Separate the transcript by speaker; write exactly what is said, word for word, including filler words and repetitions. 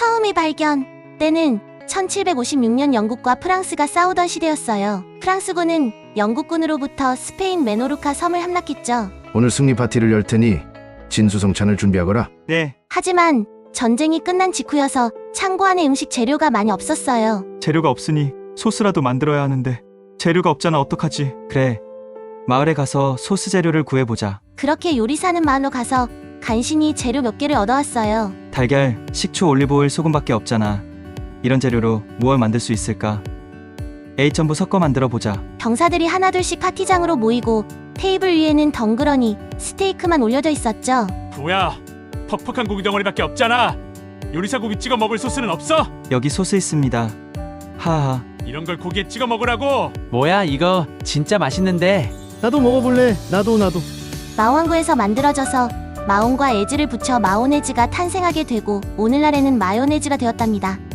Speaker 1: 처음의 발견. 때는 천칠백오십육 년 영국과 프랑스가 싸우던 시대였어요. 프랑스군은 영국군으로부터 스페인 메노르카 섬을 함락했죠.
Speaker 2: 오늘 승리 파티를 열 테니 진수성찬을 준비하거라.
Speaker 3: 네,
Speaker 1: 하지만 전쟁이 끝난 직후여서 창고 안에 음식 재료가 많이 없었어요.
Speaker 3: 재료가 없으니 소스라도 만들어야 하는데 재료가 없잖아. 어떡하지? 그래, 마을에 가서 소스 재료를 구해보자.
Speaker 1: 그렇게 요리사는 마을로 가서 간신히 재료 몇 개를 얻어왔어요.
Speaker 3: 달걀, 식초, 올리브오일, 소금밖에 없잖아. 이런 재료로 무얼 만들 수 있을까? 에이 전부 섞어 만들어 보자.
Speaker 1: 병사들이 하나둘씩 파티장으로 모이고 테이블 위에는 덩그러니 스테이크만 올려져 있었죠.
Speaker 4: 뭐야? 퍽퍽한 고기 덩어리밖에 없잖아. 요리사 고기 찍어 먹을 소스는 없어?
Speaker 3: 여기 소스 있습니다. 하하.
Speaker 4: 이런 걸 고기에 찍어 먹으라고.
Speaker 5: 뭐야 이거 진짜 맛있는데.
Speaker 6: 나도 먹어볼래. 나도 나도.
Speaker 1: 마왕구에서 만들어져서 마온과 에즈를 붙여 마오네즈가 탄생하게 되고 오늘날에는 마요네즈가 되었답니다.